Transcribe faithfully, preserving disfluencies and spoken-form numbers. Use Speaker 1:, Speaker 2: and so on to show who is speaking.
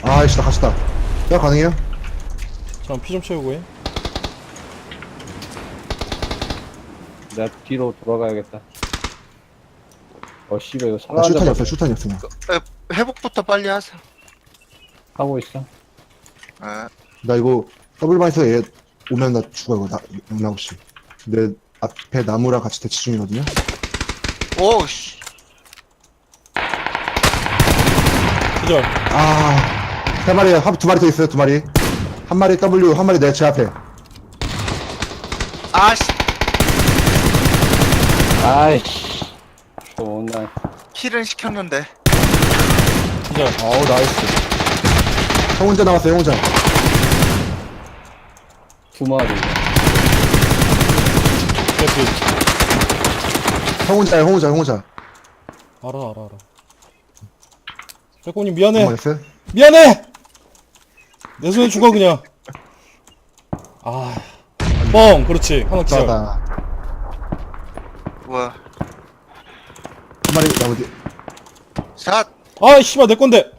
Speaker 1: 아이씨, 나 갇혔다. 야, 가능해요?
Speaker 2: 잠깐 피 좀 채우고 해.
Speaker 3: 내가 뒤로 돌아가야겠다. 어, 씨발, 이거
Speaker 1: 나 슈탄이
Speaker 3: 살아앉아
Speaker 1: 없어, 슈탄이 없어. 나.
Speaker 4: 에, 회복부터 빨리 하세요.
Speaker 3: 하고 있어.
Speaker 4: 에,
Speaker 1: 나 이거 더블바이서 얘 오면 나 죽어, 이거. 나, 영락없이. 내 앞에 나무랑 같이 대치 중이거든요?
Speaker 4: 오, 씨.
Speaker 2: 기절.
Speaker 1: 아, 세 마리, 한- 두 마리 더 있어요, 두 마리. 한 마리 W, 한 마리 내 제 앞에.
Speaker 4: 아, 씨.
Speaker 3: 아이씨. 존나.
Speaker 4: 킬은 시켰는데.
Speaker 2: 기절.
Speaker 1: 어우, 나이스. 형 혼자 나왔어요, 형 혼자.
Speaker 3: 두 마리.
Speaker 2: 개피.
Speaker 1: 형 혼자야, 형 혼자, 형 혼자.
Speaker 2: 알아 알아 알아. 백호님 미안해.
Speaker 1: 넘어갔어요?
Speaker 2: 미안해. 내 손에 죽어 그냥. 아. 뻥. 그렇지. 하나 기절.
Speaker 1: 나다.
Speaker 4: 뭐야.
Speaker 1: 한 마리, 나 어디.
Speaker 4: 샷.
Speaker 2: 아 씨발 내 건데.